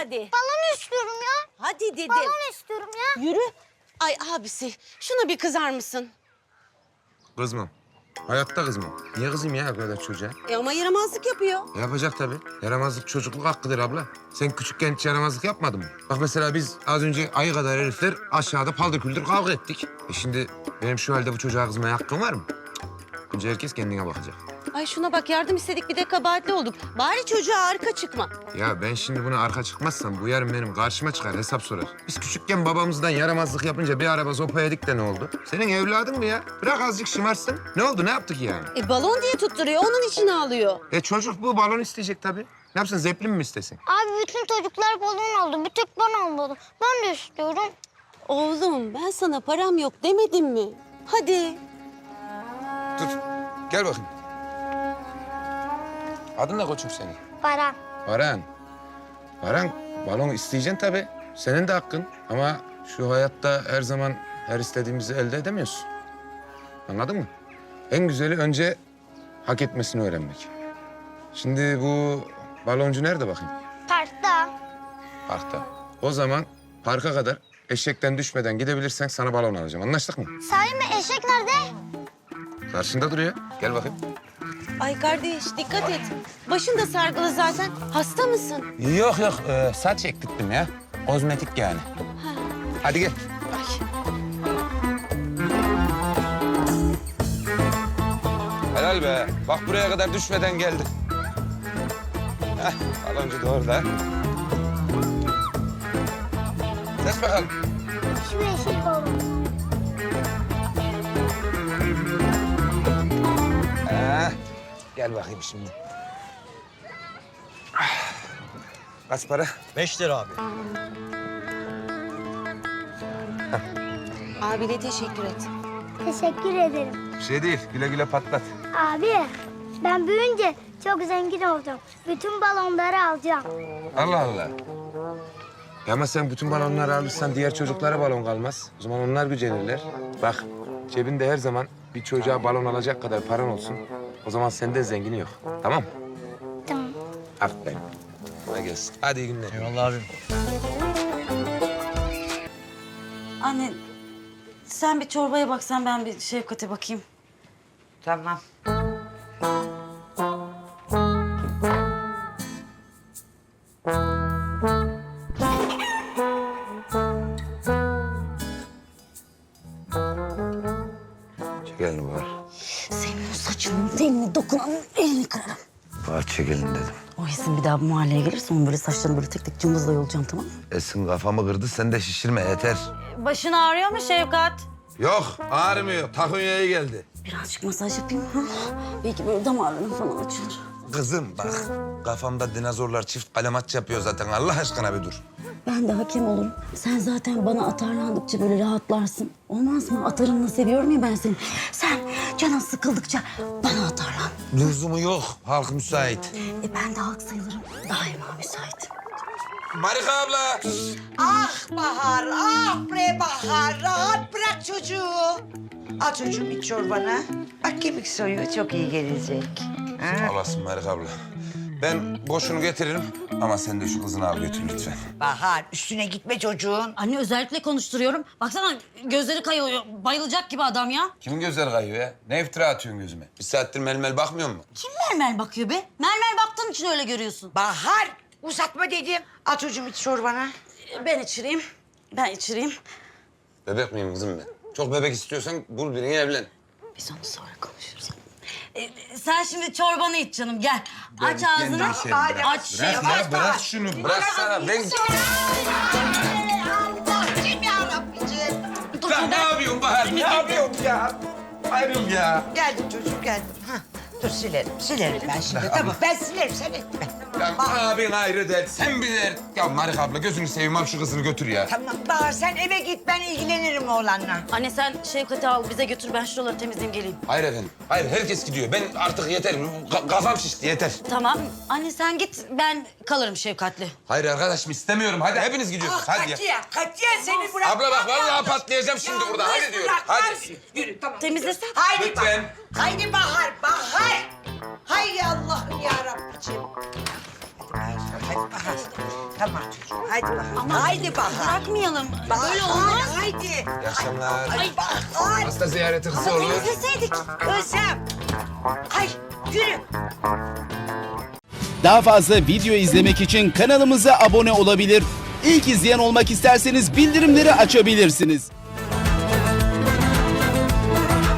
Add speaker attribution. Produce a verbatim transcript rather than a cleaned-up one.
Speaker 1: hadi.
Speaker 2: Balon istiyorum ya.
Speaker 1: Hadi dedim.
Speaker 2: Balon istiyorum ya.
Speaker 1: Yürü. Ay abisi şuna bir kızar mısın?
Speaker 3: Kızmam. Hayatta kızmam. Niye kızayım ya o kadar çocuğa?
Speaker 1: E ama yaramazlık yapıyor.
Speaker 3: Yapacak tabii. Yaramazlık çocukluk hakkıdır abla. Sen küçükken hiç yaramazlık yapmadın mı? Bak mesela biz az önce ayı kadar herifler aşağıda paldır küldür kavga ettik. E şimdi benim şu halde bu çocuğa kızmaya hakkım var mı? Cık. Önce herkes kendine bakacak.
Speaker 1: Ay şuna bak yardım istedik bir de kabahatli olduk. Bari çocuğa arka çıkma.
Speaker 3: Ya ben şimdi buna arka çıkmazsam bu yarın benim karşıma çıkar hesap sorar. Biz küçükken babamızdan yaramazlık yapınca bir araba sopa yedik de ne oldu? Senin evladın mı ya? Bırak azıcık şımarsın. Ne oldu ne yaptık yani?
Speaker 1: E balon diye tutturuyor onun için ağlıyor.
Speaker 3: E çocuk bu balon isteyecek tabii. Ne yapsın zeplin mi istesin?
Speaker 2: Abi bütün çocuklar balon aldı. Bir tek ben almadım. Ben de istiyorum.
Speaker 1: Oğlum ben sana param yok demedim mi? Hadi.
Speaker 3: Dur gel bakayım. Adın ne koçum senin?
Speaker 2: Baran.
Speaker 3: Baran. Baran, balon isteyeceksin tabii. Senin de hakkın. Ama şu hayatta her zaman her istediğimizi elde edemiyorsun. Anladın mı? En güzeli önce hak etmesini öğrenmek. Şimdi bu baloncu nerede bakayım?
Speaker 2: Parkta.
Speaker 3: Parkta. O zaman parka kadar eşekten düşmeden gidebilirsen sana balon alacağım. Anlaştık mı?
Speaker 2: Sahi mi? Eşek nerede?
Speaker 3: Karşında duruyor. Gel bakayım.
Speaker 1: Ay kardeş dikkat et. Başın da sargılı zaten. Hasta mısın?
Speaker 3: Yok yok. Ee, saç ektirttim ya. Kozmetik yani. Hadi gel.
Speaker 1: Ay.
Speaker 3: Helal be. Bak buraya kadar düşmeden geldik. Heh, baloncu da orada. Seç bakalım.
Speaker 2: Şu eşek balon.
Speaker 3: Heh, gel bakayım şimdi. Ah, kaç para?
Speaker 4: Beş lira abi.
Speaker 1: Abine teşekkür et.
Speaker 2: Teşekkür ederim.
Speaker 3: Bir şey değil. Güle güle patlat.
Speaker 2: Abi ben büyüyünce çok zengin olacağım. Bütün balonları alacağım.
Speaker 3: Allah Allah. Ya ama sen bütün balonları alırsan diğer çocuklara balon kalmaz. O zaman onlar gücenirler. Bak cebinde her zaman bir çocuğa balon alacak kadar paran olsun. O zaman senden zengini yok. Tamam mı?
Speaker 2: Tamam.
Speaker 3: Aferin. Bana gelsin. Hadi iyi günler.
Speaker 4: Eyvallah abim.
Speaker 5: Anne, sen bir çorbaya baksan ben bir Şefkat'e bakayım.
Speaker 6: Tamam.
Speaker 3: Çekelin var.
Speaker 5: Senin o saçının teline dokunan elini kırarım.
Speaker 7: Var çekilin dedim.
Speaker 5: O Esin bir daha bu mahalleye gelirse onun böyle saçlarını böyle tek tek cımbızla yolacağım, tamam mı?
Speaker 7: Esin kafamı kırdı, sen de şişirme yeter.
Speaker 5: Başın ağrıyor mu Şefkat?
Speaker 3: Yok ağrımıyor. Takunya'ya geldi.
Speaker 5: Birazcık masaj yapayım. Ha? Belki böyle damarlarım falan açılır.
Speaker 7: Kızım bak, kafamda dinozorlar çift kalemaç yapıyor zaten. Allah aşkına bir dur.
Speaker 5: Ben de hakem olurum. Sen zaten bana atarlandıkça böyle rahatlarsın. Olmaz mı? Atarınla seviyorum ya ben seni. Sen canın sıkıldıkça bana atarlan.
Speaker 7: Lüzumu yok, halk müsait.
Speaker 5: E ben de halk sayılırım. Daima müsaitim.
Speaker 3: Marika abla.
Speaker 6: Ah Bahar, ah bre Bahar. Rahat bırak çocuğu. Al çocuğum iç çorbanı. Bak kemik soyuyor, çok iyi gelecek. Ha?
Speaker 3: Olasın Marika abla. Ben boşunu getiririm ama sen de şu kızını al götür lütfen.
Speaker 6: Bahar, üstüne gitme çocuğun.
Speaker 5: Anne özellikle konuşturuyorum. Baksana gözleri kayıyor. Bayılacak gibi adam ya.
Speaker 3: Kimin gözleri kayıyor ya? Ne iftira atıyorsun gözüme? Bir saattir melmel bakmıyor mu?
Speaker 5: Kim mermer bakıyor be? Mermer baktığın için öyle görüyorsun.
Speaker 6: Bahar, uzatma dedim. Al çocuğum iç çorbanı.
Speaker 5: Ben içireyim. Ben içireyim.
Speaker 3: Bebek miyim kızım ben? Çok bebek istiyorsan bul birini evlen.
Speaker 5: Biz onu sonra konuşuruz. Ee, sen şimdi çorbanı iç canım gel. Aç
Speaker 3: kendi
Speaker 5: ağzını.
Speaker 3: içerim
Speaker 6: Hadi,
Speaker 3: biraz.
Speaker 5: Aç.
Speaker 3: Bırak
Speaker 6: Yavaş,
Speaker 3: ya, bırak
Speaker 6: yavaş.
Speaker 3: şunu. Bıraksana. Ben...
Speaker 6: Allah'ım yarabbim.
Speaker 3: Lan ne yapıyorsun Bahar? Ne yapıyorsun ya? Ayrıl ya.
Speaker 6: Geldim çocuğum, geldim. Hah. Dur silerim, silerim ben şimdi. Tamam, ben silerim, sen etme.
Speaker 3: Ya abin ayrı der, sen bir der. Ya Marika abla gözünü seveyim al şu kızını götür ya.
Speaker 6: Tamam Bahar, sen eve git, ben ilgilenirim oğlanla.
Speaker 5: Anne sen Şevkat'i al bize götür. Ben şuraları temizleyeyim geleyim.
Speaker 3: Hayır efendim. Hayır herkes gidiyor. Ben artık yeter. Ka- kafam şişti yeter.
Speaker 5: Tamam. Anne sen git. Ben kalırım Şefkat'le.
Speaker 3: Hayır arkadaşım istemiyorum. Hadi hepiniz gidiyorsunuz.
Speaker 6: Ah,
Speaker 3: Hadi ya.
Speaker 6: katiyen, katiyen seni bırak.
Speaker 3: Abla bak vallahi patlayacağım şimdi burada. Hadi diyorum. Hadi.
Speaker 6: Yürü tamam.
Speaker 5: Temizlesen.
Speaker 6: Haydi
Speaker 3: Lütfen.
Speaker 6: Bahar. Haydi Bahar, Bahar. Hay Allah'ım ya Rabbiciğim. Hadi Bahar, hadi Bahar. Tamam çocuğum. Haydi Bahar.
Speaker 1: Bırakmayalım.
Speaker 6: Bahar,
Speaker 1: Böyle olmaz.
Speaker 6: haydi.
Speaker 3: İyi akşamlar.
Speaker 6: Ay Bahar.
Speaker 3: Hasta ziyareti kısa olur.
Speaker 1: Temizleseydik.
Speaker 6: Özlem. Ay yürü.
Speaker 4: Daha fazla video izlemek için kanalımıza abone olabilir. İlk izleyen olmak isterseniz bildirimleri açabilirsiniz.